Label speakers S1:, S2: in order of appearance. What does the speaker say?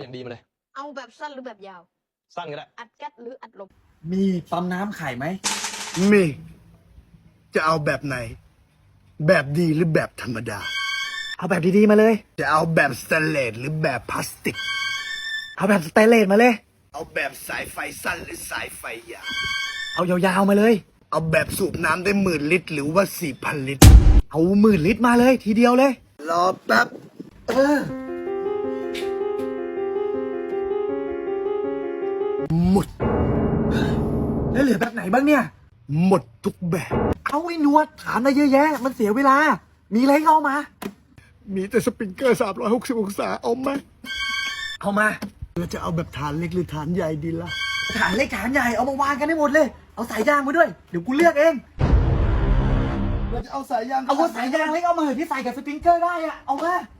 S1: อย่างดีมาเลย
S2: เอาแบบสั้นหรือแบบยาว
S1: สั้นก็ได้
S2: อัดแก๊สหรืออัดลม
S3: มีปั๊มน้ำไข่ไหม
S4: มี จะเอาแบบไหน แบบดีหรือแบบธรรมดา
S3: เอาแบบดีๆมาเลย
S4: จะเอาแบบสแตนเลสหรือแบบพลาสติก
S3: เอาแบบสเตนเลสมาเลย
S4: เอาแบบสายไฟสั้นหรือสายไฟยาว
S3: เอายาวๆมาเลย
S4: เอาแบบสูบน้ำได้10,000 ลิตร หรือว่า4,000 ลิตร
S3: เอา10,000 ลิตรมาเลยทีเดียวเลย
S4: รอแป๊บ หมด
S3: แล้วเหลือแบบไหนบ้างเนี่ย
S4: หมดทุกแบบ
S3: เอาไอ้หนวดถามได้เยอะแยะ มันเสียเวลา มีอะไรก็เอามา
S4: มีแต่สปริงเกอร์360 องศาเอาไหม
S3: เอามา
S4: เราจะเอาแบบฐานเล็กหรือฐานใหญ่ดีล่ะ
S3: ฐานเล็กฐานใหญ่เอามาวางกันให้หมดเลย เอาสายยางมาด้วย เดี๋ยวกูเลือกเอง
S4: เราจะเอาสายยาง
S3: เอาสายยางเล็กเอามาเหอะที่ใส่กับสปริงเกอร์ได้อะเอามา